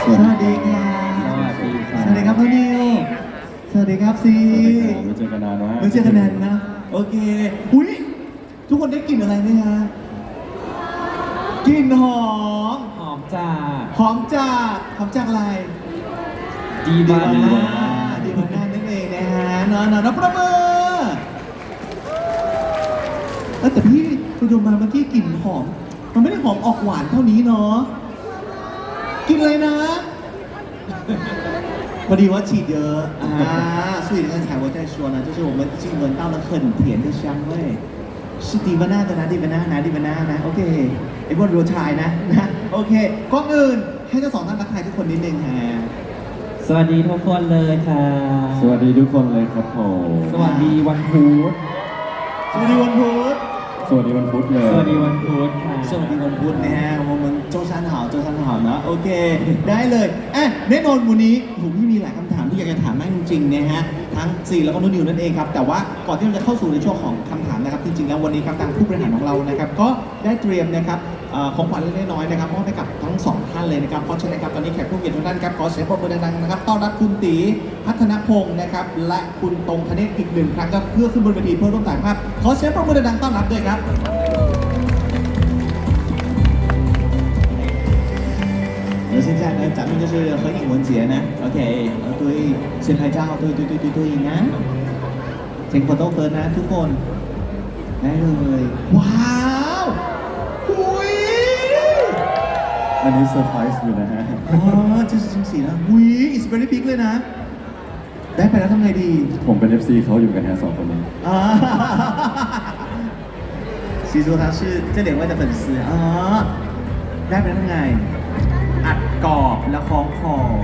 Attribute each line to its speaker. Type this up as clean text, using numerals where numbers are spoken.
Speaker 1: สวัสดีครับ
Speaker 2: สวัสดีครับ
Speaker 1: สวัสดีครับน้องนิวสวัสดีครับซี
Speaker 2: ไม่เจอกันนานมาก
Speaker 1: ไม่เจอกันนานนะ โอเค อุ้ยทุกคนได้กลิ่นอะไรไหมฮะกลิ่นหอม
Speaker 2: หอมจาก
Speaker 1: หอมจากอะไร
Speaker 2: ดีบาน่า
Speaker 1: ดีวาน่านั่นเองนะฮะนอนประเมินแต่พี่คุณดูมาเมื่อกี้กลิ่นหอม มันไม่ได้หอมออกหวานเท่านี้เนาะกลิ่นอะไรนะ พอดีว่าฉีดเยอะ所以刚才我在说呢，就是我们已经闻到了很甜的香味，是迪วาน่าตัวนะดีวาน่านะดีวาน่านะโอเคไอ้พวกรัวชายนะโอเคก่อนอื่นให้ทั้งสองท่านทักทายทุกคนนิดนึงฮะ
Speaker 2: สวัสดีทุกคนเลยค่ะ
Speaker 3: สวัสดีทุกคนเลยครับผม
Speaker 2: สวัสดีวันพุธ
Speaker 1: สวัสดีวันพุธ
Speaker 3: สวัสดีวันพุธเลย
Speaker 2: สวัสดีวันพุธค่ะ
Speaker 1: สวัสดีวันพุธนะฮะ我们周三好周三好นะโอเค ได้เลยแน่นอนวันนี้ผมพี่มีหลายคำถามที่อยากจะถามมากจริงๆนะฮะทั้งซีแล้วก็นุ่นนิวนั่นเองครับแต่ว่าก่อนที่เราจะเข้าสู่ในช่วงของคำถามนะครับจริงๆแล้ววันนี้ครับทางผู้บริหารของเรานะครับก็ได้เตรียมนะครับของขวัญเล็กๆน้อยๆนะครับมอบให้กับทั้งสองท่านเลยนะครับเพราะฉะนั้นครับตอนนี้แขกผู้เกียรติทุกท่านครับขอเสียงปรบมือดังๆนะครับต้อนรับคุณตีพัฒนพงศ์นะครับและคุณตรงธเนศอีกหนึ่งครั้งครับเพื่อขึ้นบนเวทีเพื่อร่วมถ่ายภาพขอเสียงปรบมือดังๆต้อนรับด้วยครับ而现在呢，咱们就是合影文节呢，OK，对，先拍照，对นะเซ็งโฟโต้เฟิร์สนะทุกคนได้เลยว้าวหุย
Speaker 3: อันนี้เซอร์ไพรส์อยู่นะฮะ
Speaker 1: อ๋อจะจริงสินะหุย it's very big เลยนะ ได้ไปแล้วทำไงดี
Speaker 3: ผมเป็น FC เขาอยู่กันฮะสองคนนี้
Speaker 1: อ่า其实他是这两位的粉丝啊ได้ไปแล้วทำไงอัดกรอบแล้วคล้องคอ